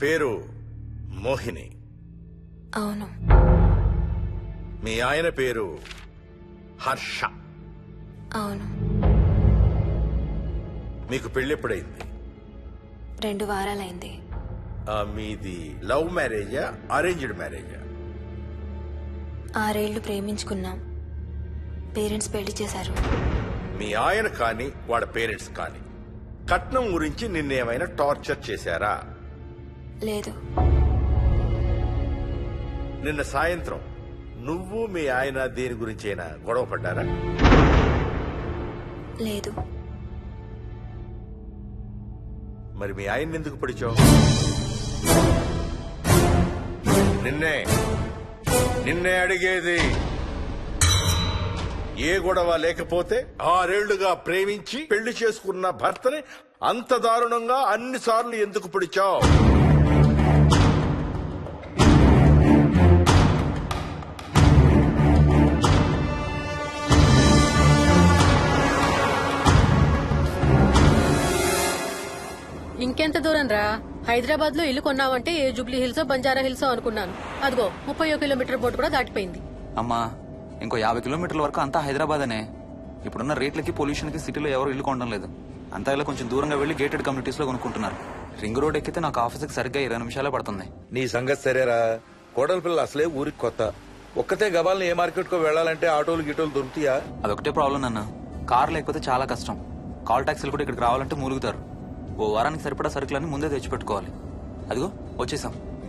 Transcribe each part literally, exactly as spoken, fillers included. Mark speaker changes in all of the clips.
Speaker 1: పేరు మోహిని.
Speaker 2: అవును.
Speaker 1: మీ ఆయన పేరు హర్ష.
Speaker 2: అవును.
Speaker 1: మీకు పెళ్ళెప్పుడైంది?
Speaker 2: రెండు వారాలైంది.
Speaker 1: ఆ, మీది లవ్ మ్యారేజా అరేంజ్డ్ మ్యారేజా?
Speaker 2: ఆరేళ్లు ప్రేమించుకున్నాం. పేరెంట్స్ పెళ్లి చేశారు.
Speaker 1: మీ ఆయన కానీ వాడి పేరెంట్స్ కానీ కట్నం గురించి నిన్నేమైనా టార్చర్ చేశారా?
Speaker 2: లేదు.
Speaker 1: నిన్న సాయంత్రం నువ్వు మీ ఆయన దేని గురించి అయినా గొడవ పడ్డారా?
Speaker 2: లేదు.
Speaker 1: మరి మీ ఆయన ఎందుకు పడిచావు? నిన్నే నిన్నే అడిగేది. ఏ గొడవ లేకపోతే ఆరేళ్లుగా ప్రేమించి పెళ్లి చేసుకున్న భర్తని అంత దారుణంగా అన్నిసార్లు ఎందుకు పిడిచావు?
Speaker 3: ఇంకెంత దూరం రా? హైదరాబాద్ లో ఇల్లు కొన్నావంటే ఏ జూబ్లీ హిల్స్ బంజారా హిల్స్ అనుకున్నాను. అదిగో ముప్పై కిలోమీటర్ బోర్డు కూడా దాటిపోయింది.
Speaker 4: అమ్మా, ఇంకో యాభై కిలోమీటర్ల వరకు అంతా హైదరాబాద్ అనే. ఇప్పుడున్న రేట్లకి పొల్యూషన్ కి సిటీలో ఎవరు ఇల్లు కొనడం లేదు. అంతా ఇలా కొంచెం దూరంగా వెళ్లి గేటెడ్ కమ్యూనిటీస్ లో కొనుక్కుంటున్నారు. రింగ్ రోడ్ ఎక్కితే నాకు ఆఫీస్కి సరిగ్గా ఇరవై నిమిషాలే పడుతుంది.
Speaker 5: నీ సంగతి సరేరా, కోడల పిల్ల అసలే ఊరికి కొత్త. ఒక్కతే గబాల్ని ఏ మార్కెట్ కో వెళ్లాలంటే ఆటోలు గిటోలు దొరుకుతాయా?
Speaker 4: అదొకటే ప్రాబ్లం నాన్న. కార్ లేకపోతే చాలా కష్టం. కాల్ టాక్సీలు కూడా ఇక్కడికి రావాలంటే మూలుగుతారు. ఓ వారానికి సరిపడా సరుకులన్నీ ముందే తెచ్చిపెట్టుకోవాలి. అదిగో వచ్చేసాం.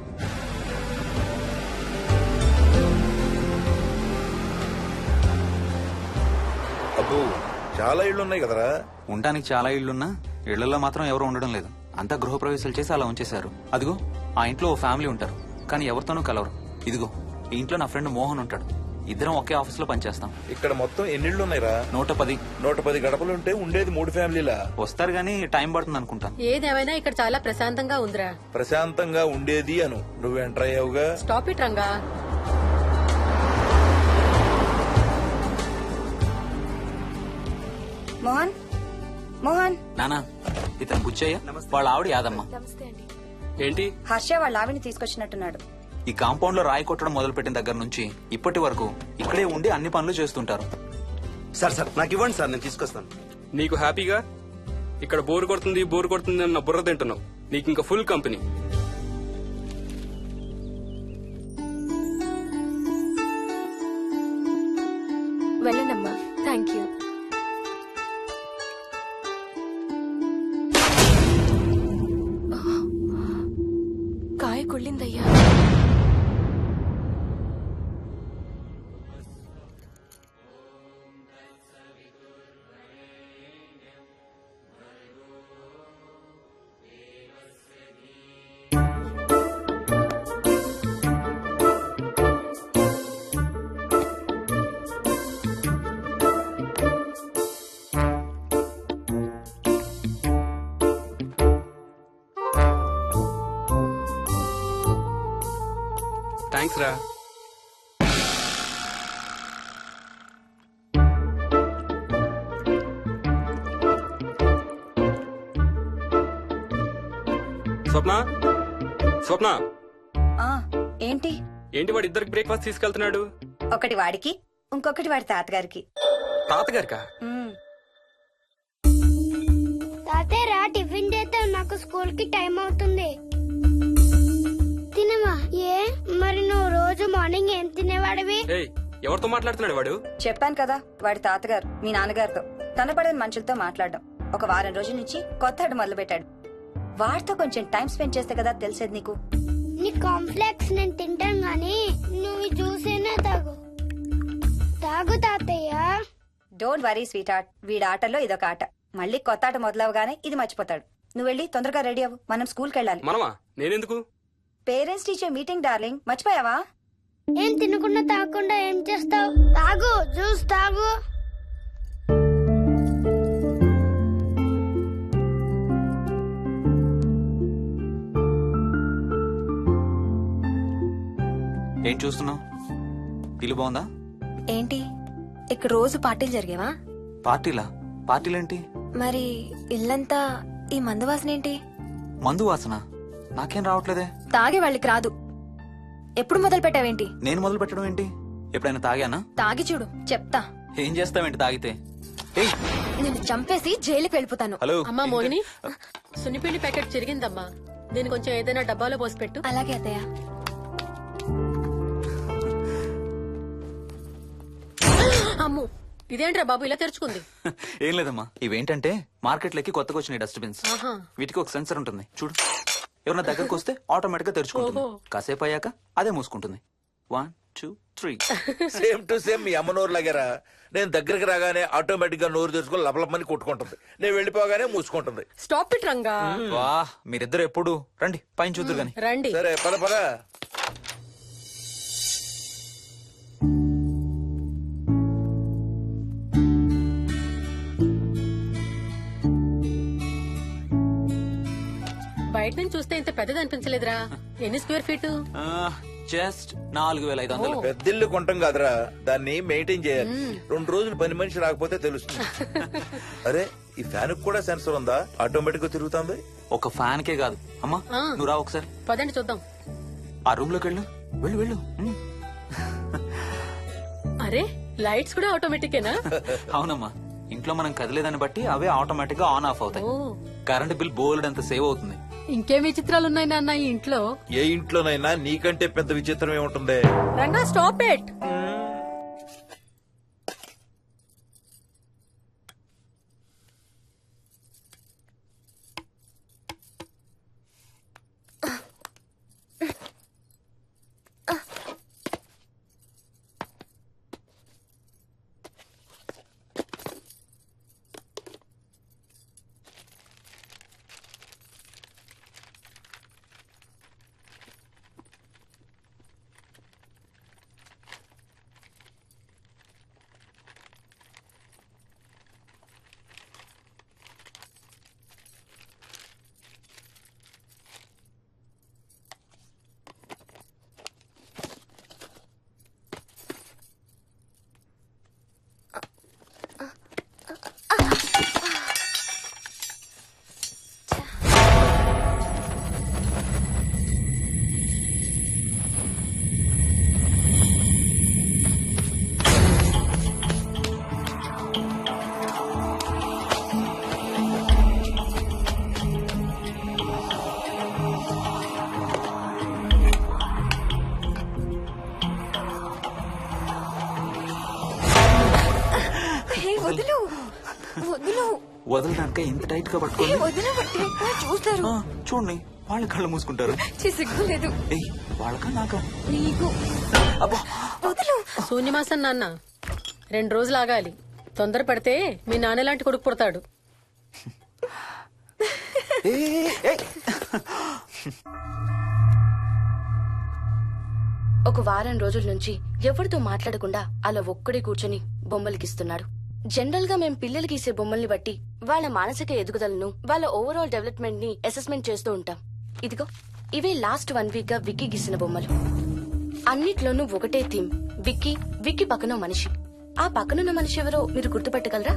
Speaker 5: అబ్బో, చాలా ఇళ్లు ఉన్నాయి కదరా.
Speaker 4: ఉండడానికి చాలా ఇళ్లున్నా ఇళ్లలో మాత్రం ఎవరు ఉండడం లేదు. అంతా గృహప్రవేశాలు చేసి అలా ఉంచేశారు. అదిగో ఆ ఇంట్లో ఓ ఫ్యామిలీ ఉంటారు, కానీ ఎవరితోనూ కలవరు. ఇదిగో ఈ ఇంట్లో నా ఫ్రెండ్ మోహన్ ఉంటాడు. ఇద్దరం ఒకే ఆఫీస్ లో పనిచేస్తాం.
Speaker 5: ఇక్కడ మొత్తం ఎన్నిళ్ళు ఉన్నాయిరా?
Speaker 4: నూట పది
Speaker 5: నూట పది గడపలుంటే ఉండేది మూడు ఫ్యామిలీలా.
Speaker 4: వస్తారు గానీ టైం పడుతుంది అనుకుంటాను.
Speaker 3: ఏదేమైనా ఇక్కడ చాలా ప్రశాంతంగా ఉందిరా.
Speaker 5: ప్రశాంతంగా ఉండేది అను, నువ్వు ఎంటర్ అయ్యావుగా.
Speaker 3: Stop it Ranga.
Speaker 6: మోహన్, మోహన్.
Speaker 4: నానా, ఇతను బుచ్చయ్య, వాళ్ళ ఆవిడ యాదమ్మ.
Speaker 7: ఏంటి?
Speaker 6: హర్ష వాళ్ళ ఆవిని తీసుకొచ్చినట్టున్నాడు.
Speaker 4: ఈ కాంపౌండ్ లో రాయి కొట్టడం మొదలు పెట్టిన దగ్గర నుంచి ఇప్పటి వరకు ఇక్కడే ఉండి అన్ని పనులు చేస్తుంటారు.
Speaker 8: సార్ సార్ నాకు ఇవ్వండి సార్, నేను తీసుకొస్తాను.
Speaker 7: నీకు హ్యాపీగా ఇక్కడ బోర్ కొడుతుంది బోర్ కొడుతుంది అన్న బుర్ర తింటున్నావు. నీకు ఇంకా ఫుల్ కంపెనీ.
Speaker 2: వెళ్ళండమ్మా. Thank you. కాయ కుళ్ళిందయ్యా.
Speaker 7: థ్యాంక్స్ రా. స్వప్న, స్వప్న.
Speaker 6: ఆ ఏంటి?
Speaker 7: ఏంటి వాడు ఇద్దరికి బ్రేక్ఫాస్ట్ తీసుకెళ్తున్నాడు?
Speaker 6: ఒకటి వాడికి, ఇంకొకటి వాడి తాతగారికి.
Speaker 7: తాతగారికా?
Speaker 6: ఉమ్.
Speaker 9: తాతయ్య టిఫిన్ చేస్తే నాకు స్కూల్ కి టైం అవుతుంది. తినమా? ఏ మరి నువ్వు రోజు మార్నింగ్ ఏం తినేవాడివి?
Speaker 7: ఏయ్, ఎవరితో మాట్లాడుతున్నాడు వాడు?
Speaker 6: చెప్పాను కదా, వాడి తాతగారు మీ నాన్నగారితో కనపడని మనుషులతో మాట్లాడడం. ఒక వారం రోజుల నుంచి కొత్త ఆడు మొదలు పెట్టాడు. వాడితో కొంచెం టైం స్పెండ్ చేస్తే కదా తెలిసేది నీకు.
Speaker 9: నీ కాంప్లెక్స్ నేను తింటాను గానీ నువ్వు జ్యూసేనే తాగు. తాగు తాతయ్య.
Speaker 6: డోంట్ వరీ స్వీట్ ఆర్ట్, వీడి ఆటల్లో ఇదొక ఆట. మళ్ళీ కొత్త ఆట మొదలవగానే ఇది మర్చిపోతాడు. నువ్వు వెళ్ళి తొందరగా రెడీ అవ్వు, మనం స్కూల్కి వెళ్ళాలి.
Speaker 7: మనమా? నేనెందుకు?
Speaker 6: పేరెంట్స్ టీచర్ మీటింగ్ డార్లింగ్, మర్చిపోయావా?
Speaker 9: ఏం తినకుండా తాగకుండా ఏం చేస్తావు? తాగు, జ్యూస్ తాగు.
Speaker 4: ఏం చూస్తున్నావు? ఇల్లు బాగుందా?
Speaker 2: ఏంటి ఇక్కడ రోజు పార్టీలు జరిగేవా?
Speaker 4: పార్టీలా? పార్టీలేంటి?
Speaker 2: మరి ఇల్లంతా ఈ మందు వాసన ఏంటి?
Speaker 4: మందు వాసన? నాకేం రావట్లేదే.
Speaker 2: తాగే వాళ్ళకి రాదు. ఎప్పుడు మొదలు పెట్టావేంటి?
Speaker 4: నేను మొదలు పెట్టడం ఏంటి? ఎప్పుడైనా తాగానా?
Speaker 2: తాగి చూడు, చెప్తా.
Speaker 4: ఏం చేస్తావేంటి తాగితే? ఏయ్,
Speaker 2: నేను చంపేసి జైలుకి వెళ్ళిపోతాను.
Speaker 4: హలో.
Speaker 3: అమ్మా మోహిని, సున్నిపిండి ప్యాకెట్ చిరిగిందమ్మా. దీని కొంచెం ఏదైనా డబ్బాలో పోసి పెట్టు.
Speaker 2: అలాగే అత్తయ్య.
Speaker 3: అమ్ము, ఇదేంట్రా బాబు ఇలా తెరుచుకుంది?
Speaker 4: ఏం లేదమ్మా, ఇవేంటంటే మార్కెట్లోకి కొత్తగా వచ్చినాయి డస్ట్బిన్స్.
Speaker 3: ఆహా.
Speaker 4: వీటికి ఒక సెన్సర్ ఉంటుంది చూడు. ఎవరన్నా దగ్గరకు వస్తే ఆటోమేటిక్ గా తెరుచుకుంటుంది.
Speaker 3: ఓహో.
Speaker 4: కాసేపు అయ్యాక అదే మూసుకుంటుంది. One two three.
Speaker 5: Same to same మీ అమ్మ నోరు లాగారా. నేను దగ్గరికి రాగానే ఆటోమేటిక్ గా నోరు తెరుచుకొని లపలపని కొట్టుకుంటుంది. నేను వెళ్ళిపోగానే మూసుకుంటుంది.
Speaker 3: Stop it Ranga.
Speaker 4: వా, మీరిద్దరు ఎప్పుడు రండి పైన చూద్దరు గాని.
Speaker 3: రండి.
Speaker 5: సరే పద పద.
Speaker 3: బయట నుంచి చూస్తే ఇంత పెద్దది అనిపించలేదురా. ఎన్ని స్క్వేర్ ఫీట్?
Speaker 4: జస్ట్ నాలుగు వేల ఐదు వందలు.
Speaker 5: పెద్దిల్లు కొంటాం కాదురా, దాన్ని మెయింటైన్ చేయాలి. రెండు రోజులు పని మనిషి రాకపోతే తెలుస్తుంది. అరే, ఈ ఫ్యాన్ కూడా సెన్సర్ ఉందా? ఆటోమేటిక్ గా తిరుగుతుంది.
Speaker 4: ఒక ఫ్యాన్ కే కాదు. అమ్మా
Speaker 3: ఆ.
Speaker 4: నువ్వు రా ఒకసారి.
Speaker 3: పదండి చూద్దాం.
Speaker 4: ఆ రూమ్ లోకి వెళ్ళు. వెళ్ళు వెళ్ళు. ఉమ్.
Speaker 3: అరే, లైట్స్ కూడా ఆటోమేటికేనా?
Speaker 4: అవునమ్మా, ఇంట్లో మనం కదిలేదాన్ని బట్టి అవే ఆటోమేటిక్ గా ఆన్ ఆఫ్ అవుతాయి.
Speaker 3: ఓ.
Speaker 4: కరెంట్ బిల్ బోల్డ్ అంత సేవ్ అవుతుంది.
Speaker 3: ఇంకేం విచిత్రాలు ఉన్నాయి నాన్న ఈ ఇంట్లో?
Speaker 5: ఏ ఇంట్లోనైనా నీకంటే పెద్ద విచిత్రం ఏముంటుంది?
Speaker 3: Ranga stop it.
Speaker 2: వదులు వదులు
Speaker 4: వదలడానికి ఇంత టైట్ గా పట్టుకోండి.
Speaker 2: వదిన చూస్తారు.
Speaker 4: ఆ, చూడండి, వాళ్ళ కళ్ళు మూసుకుంటారు.
Speaker 2: సిగ్గులేదు
Speaker 4: ఏయ్, వాళ్ళకా నాకా?
Speaker 2: నీకు.
Speaker 4: అబ్బా,
Speaker 2: వదులు.
Speaker 3: శూన్యమాసం నాన్న, రెండు రోజులు ఆగాలి. తొందర పడితే మీ నాన్న లాంటి కొడుకు పుడతాడు.
Speaker 4: ఏయ్, ఏయ్.
Speaker 10: ఒక వారం రోజుల నుంచి ఎవరితో మాట్లాడకుండా అలా ఒక్కడే కూర్చొని బొమ్మలు గీస్తున్నాడు. జనరల్ గా మేం పిల్లలు గీసే బొమ్మల్ని బట్టి వాళ్ళ మానసిక ఎదుగుదలను, వాళ్ళ ఓవరాల్ డెవలప్మెంట్ ని అసెస్మెంట్ చేస్తూ ఉంటాం. ఇదిగో ఇవే లాస్ట్ వన్ వీక్ గా విక్కీ గీసిన బొమ్మలు. అన్నిట్లోనూ ఒకటే థీమ్, విక్కీ విక్కీ పక్కన మనిషి. ఆ పక్కనున్న మనిషి ఎవరో మీరు గుర్తుపట్టగలరా?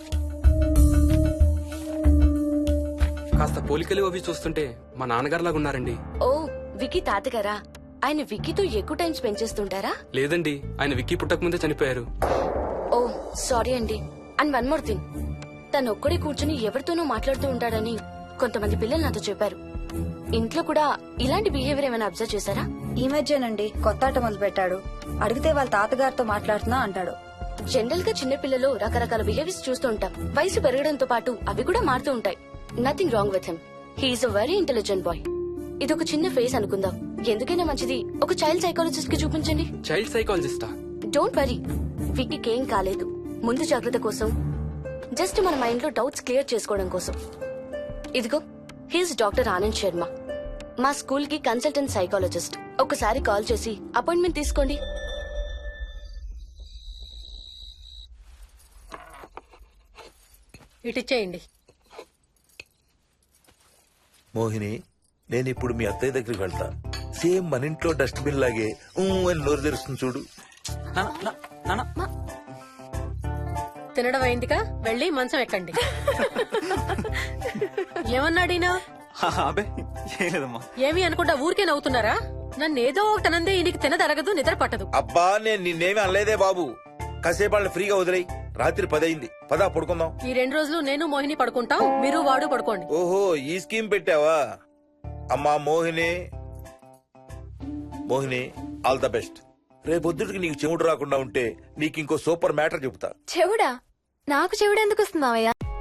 Speaker 7: కాస్త పోలికలు అవి చూస్తుంటే మా నాన్నగారులాగా ఉన్నారండి.
Speaker 10: ఓ, విక్కీ తాతగారా? ఆయన విక్కీతో ఎక్కువ టైం స్పెండ్ చేస్తుంటారా?
Speaker 7: లేదండి, ఆయన విక్కీ పుట్టక ముందే చనిపోయారు.
Speaker 10: ఓ సారీ అండి. అండ్ వన్ మోర్ థింగ్, తను ఒక్కడే కూర్చుని ఎవరితోనూ మాట్లాడుతూ ఉంటాడని కొంతమంది పిల్లలు నాతో చెప్పారు. ఇంట్లో కూడా ఇలాంటి బిహేవియర్ ఏమైనా అబ్జర్వ్ చేశారా?
Speaker 6: ఈ మధ్యనండి కొత్త ఆట మొదలు పెట్టాడు. అడిగితే వాళ్ళ తాతగారితో మాట్లాడుతున్నా అంటాడు.
Speaker 10: జనరల్ గా చిన్న పిల్లలు రకరకాల బిహేవియర్స్ చూస్తూ ఉంటాం. వయసు పెరగడంతో పాటు అవి కూడా మారుతూ ఉంటాయి. Nothing wrong with him. He's a very intelligent boy. ఇది ఒక చిన్న ఫేస్ అనుకుందాం. ఎందుకైనా మంచిది ఒక చైల్డ్ సైకాలజిస్ట్ కి చూపించండి.
Speaker 7: చైల్డ్ సైకాలజిస్టా?
Speaker 10: డోంట్ వరీ, విక్కీకి ఏం కాలేదు. ముందు జాగ్రత్త కోసం, జస్ట్ మన మైండ్ లో డౌట్స్ క్లియర్ చేసుకోవడం కోసం. ఇదిగో, హీస్ డాక్టర్ ఆనంద్ శర్మ, మా స్కూల్ కి కన్సల్టెంట్ సైకాలజిస్ట్. ఒకసారి కాల్ చేసి అపాయింట్మెంట్ తీసుకోండి.
Speaker 3: ఇటిచ్చేయండి.
Speaker 5: మోహిని, నేను ఇప్పుడు మీ అత్తయ్య దగ్గరికి వెళ్తా. సేమ్ మన ఇంట్లో డస్ట్బిన్ లాగే ఊ అని నోరు తెరుస్తుంది చూడు.
Speaker 4: నాన్న, నా- నాన్న.
Speaker 3: తినడం అయిందిగా, వెళ్ళి మంచం ఎక్కండి. ఏమన్నాడీనా?
Speaker 4: అబ్బే ఏం లేదమ్మా.
Speaker 3: ఏమి అనుకుంటా ఊరికే నవ్వుతున్నారా? నన్ను ఏదో ఒకటి అనందే ఈయనకి తినదరగదు, నిద్ర పట్టదు.
Speaker 5: అబ్బా నేను నిన్నేమి అనలేదే బాబు. కాసేపు వాళ్ళని ఫ్రీగా వదిలేయి. రాత్రి పదయింది, పదా పడుకుందాం.
Speaker 3: ఈ రెండు రోజులు నేను మోహిని పడుకుంటాం, మీరు వాడు పడుకోండి.
Speaker 5: ఓహో ఈ స్కీమ్ పెట్టావా? అమ్మా Mohini, Mohini all the best. రేపొద్దుటికి నీకు చెవుడు రాకుండా ఉంటే నీకు ఇంకో సూపర్ మ్యాటర్ చెబుతా.
Speaker 2: చెవుడా? నాకు చెవుడు ఎందుకు వస్తుంది మావయ్య?